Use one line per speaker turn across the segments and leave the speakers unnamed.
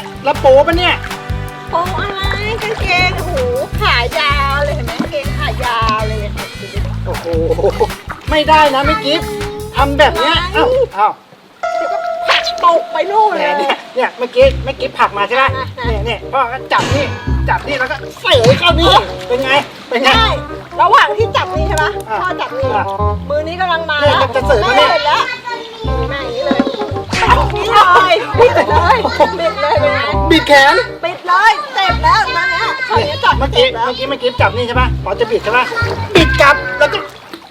แล้วโป๊ปะเนี่ย
โอ้อะไรกางเกงโอ้โหขายาวเลยเห็นไหมกางเกงขายาวเลยค่ะ
โอ้โหไม่ได้นะไม่กิฟทำแบบเนี้ยเอ้า
เดี๋ยวก็ผักตกไปนู่น
แหม
เลย
เนี่ยเมื่อกี้ไม่กิฟผักมาใช่ไหมเนี่ยพ่อก็จับนี่แล้วก็เสยเข้านี่เป็นไง
ใช่ระหว่างที่จับนี่ใช่ปะ
อ่ะ
พ่อจับนี่
อ่ะ
มือนี้กำลังมา
เนี่ย
แล้ว
จะเสยมาเนี่ย
แม่เห็นแล้วแม่อย่างนี้เลยนี่เลยปิดเลยปิดเลยเป็นไง
บิดแขน
ปิดเลยเจ็บแล้วนั่นแหละตอนนี้จับ
เมื่อ
เจ็
กี้
บแล้ว
ไม่กิฟจับนี่ใช่ปะพอจะบิดใช่ปะบิดกลับแล้วก็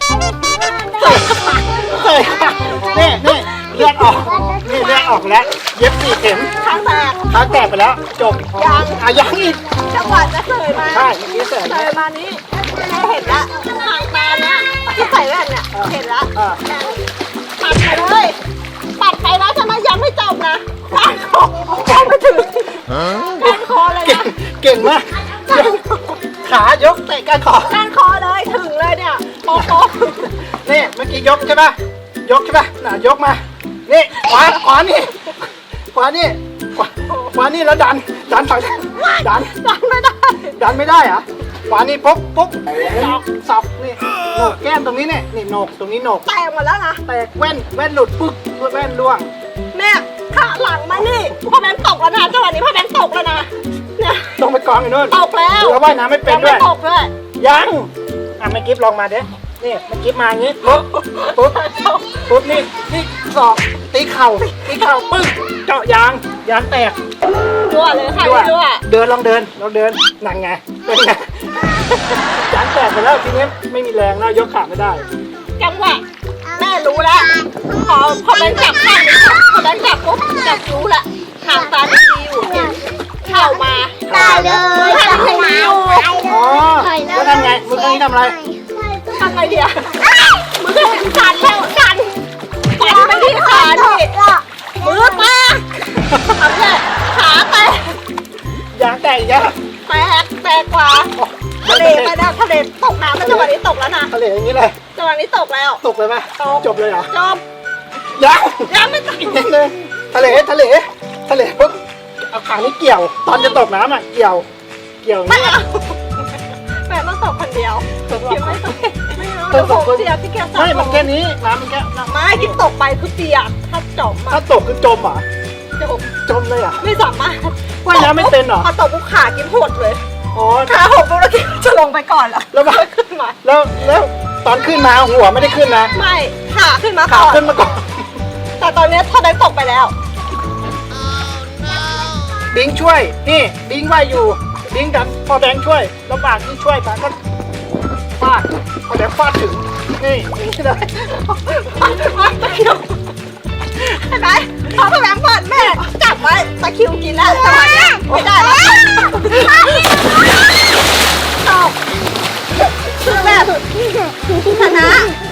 เสยนี่เลือดออกนี่เลือดออกแล้วเย็บ4 เข็ม
ข้างแตก
เท้าแตกไปแล้วจบ
ยัง
ยังอีก
จังหวะจะเสยมา
ใช่เมื่อกี้เสย
เสยมานี้แม่เห็นแล้วทางตาเนี่ยที่ใส่แว่นเนี่ยเห็นแล้ว
อ่า
ปัดไปเลยปัดไปแล้วใช่ไหมยังไม่จบนะก้านคอเข้าไปถึงก้านคอเลยนะ
เก่งมากขายกเตะก้านคอ
ก้านคอเลยถึงเลยเนี่ยโป๊ะ
นี่เมื่อกี้ยกใช่ปะยกใช่ปะน่ะยกมานี่ขวานี่ขวานี่แล้วดันฝั่งดัน
ดันไม่ได้
ดันไม่ได้เหรอขวานี่ปุ๊บสับนี่โหนกแก้มตรงนี้เนี่ยนี่โหนกตรงนี้โหนก
แตกหมดแล้วนะ
แตกแว่นหลุดปึ๊กแว่นร่วง
เนี่ยขาหลังมานี่พ่อแบงค์ตกแล้วนะจังหวะนี้พ่อแบงค์ตกแล้วนะเนี่ย
ลงไปกองอยู่นู่น
ตกแล้ว
แล้วว่ายน้ำไม่เป็นด้วย
ตกด้วย
ยังอ่ะเมื่อกี้ลองมาเด้นี่เมื่อกี้มาอย่างงี้ปุ๊บนี่ศอกตีเข่าปึ้งเจาะยางแตก
รั่วเลยค่ะ
รั่ว
รั่ว
เดินลองเดินนั่งไงเป็นไงยางแตกไปแล้วทีนี้ไม่มีแรงแล้วยกขาไม่ได้
จังหวะแม่รู้แล้วพอแบงค์จับข้างนี้พอแบงค์จับปุ๊บจับรู้ละหางตาไม่ดีอยู่เข่ามา
ตายเลย
ทำไงอยู่
อ๋อแล้วทำไงมือข้างนี้ทำอะไร
ทำไงเดียวมือสั่นแล้วสั่นไปที่ขาดิมือแตกทำเลยขาแตก
ยางแตกอีกแล้ว
แตกกว่าทะเลไปแล้วทะเลตกน้ำแล้วจังหวะนี้ตกแล้วนะ
ทะเลอย่างนี้เลย
จังหวะนี้ตกแล้ว
ตกเลยไหมจบเลยเหรอ
จบ
ยัง
ไม่ตก
อีกนิดนึงทะเลปุ๊บเอาขางนี้เกี่ยว ตอนจะตกน้ำอ่ะเกี่ยว
ไม่
นี่
เอาแม่ต้องตกคนเดียว
ตก
คิว
ส
ไม่
อง
ตกไม่
ต
เอา
กสองคน
เสียพี่แก
ไม่มันแค่นี้น้ำมันแค่
ไม่ที่ตกไปคือเปียกถ้าจม
ถ้าตกคือจมเหรอ จมเลยเหรอ่ะ
ไม่สามารถ
ว่ายน้ำไม่เป็นเหรอ
พอตกปุ๊บขากินหดเลย
อ๋อ
ขาหดปุ๊บแล้วกินจะลงไปก่อนแล้ว
แล้วมา
ขึ้นมา
แล้วตอนขึ้นมาหัวไม่ได้ขึ้นนะ
ไม่ขาขึ้นมา
ขา
ก่อน
ขึ้นมาก่อน
แต่ตอนนี้ถ้าได้ตกไปแล้ว
บิงช่วยนี่บิงว่ายอยู่บิงดันพอแบงค์ช่วยลำบากที่ช่วยปะก็ฟาดพอแบงค์ฟาดถึงนี่อย่างนี้เลย
เห็นไหมพอพ่อแบงค์เปิดแม่จับไว้ตะคริวกินแล้วจังหวะนี้ไม่ได้แล้วตกคือแบบชนะ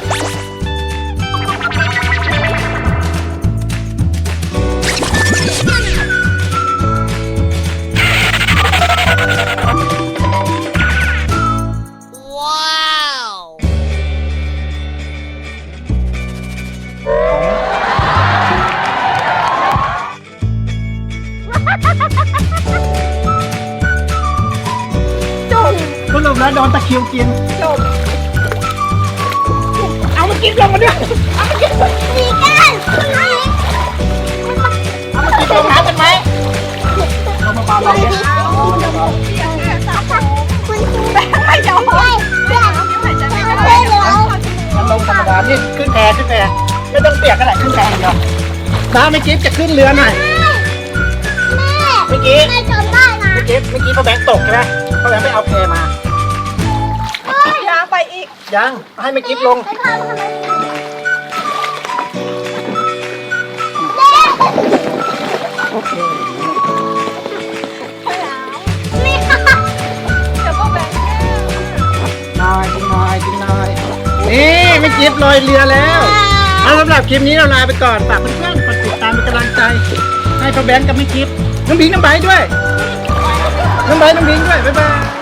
จบ
สรุปแล้วโดนตะคริวกิน
จบ
เอามากินลงมาด้วย
มีกัน
เอามากินลงน้ำกันไหมเอามาปาลงเนี่ย
ไม่ยอมเลยเดี๋ยวหายใจไม่ได้เลย
มันลงธรรมดานี่ขึ้นแพไม่ต้องเปียกก็ได้ขึ้นแพอย่างเดียวน้าไม่กิฟจะขึ้นเรือหน่อยเมื่อกี้
แม่จำได้นะ
เมื่อกี้พ่อแบงค์ตกใช่ไหมพ่อแบงค์ไปเอาแพมา
ยางไปอีก
ยังให้ไม่กิฟลง
ไปทำไม
ไม่เอาเดี๋ยวพ่อแบงค์
นายกินนายนี่ไม่กิฟลอยเรือแล้วเอาสำหรับคลิปนี้เราลาไปก่อนฝากเพื่อนๆกดติดตามเป็นกำลังใจให้พ่อแบงค์กับไม่กิฟน้องบิงน้องไบร์ทด้วยน้องไบร์ทน้องบิงด้วยบ๊ายบาย